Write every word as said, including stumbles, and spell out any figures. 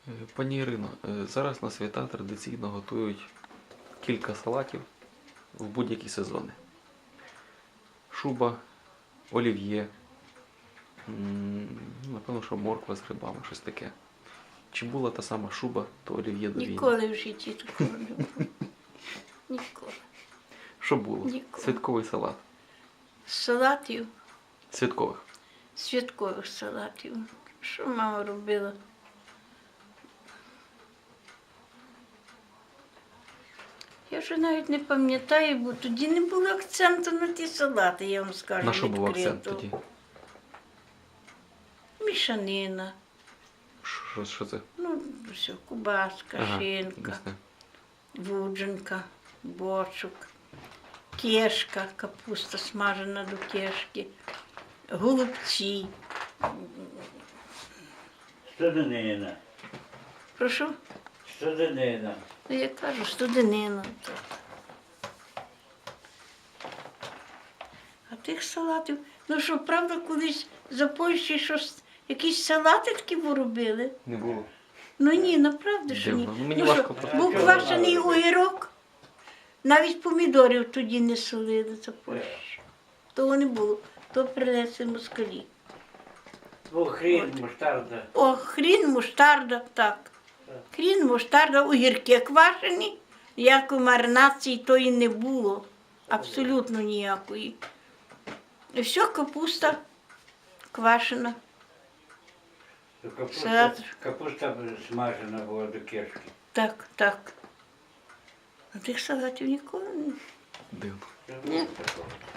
Е, Пані Ірино, е, зараз на свята традиційно готують кілька салатів в будь-які сезони. Шуба, олів'є, м, напевно, що морква з грибами, щось таке. Чи була та сама шуба, то олів'є до війни? Ніколи в житті такого не було. Ніколи. Що було? Ніколи. Святковий салат. Салатів, Святкових. святкових салатів. Що мама робила? Я вже навіть не пам'ятаю, бо тоді не було акценту на ті салати, я вам скажу. На що був відкрито. акцент тоді? Мішанина. Що, що це? Ну, все, кубаска, Ага, шинка, ясно. вудженка, бочок, кешка, капуста смажена до кешки, голубці. Студенина. Прошу? Студенина. Ну, я кажу, студенина. А тих салатів, ну що, правда, колись за Польщі щось, якісь салати такі поробили? Не було. Ну ні, направду, що ні. Дивно. Ну, мені Ну, що, важко просто був сказати. квашений огірок, навіть помідорів тоді не солили за Польщі. Того не було, то принесли москалі. Ну, хрін, муштарда. О, хрін, муштарда, так. Хрін, муштарда, огірки квашені, ніякої маринації тої не було. Абсолютно ніякої. І все, капуста квашена. Капуста, Салат. капуста смажена була до кишки. Так, так. А тих салатів ніколи не. Дивно. Ні. Такого.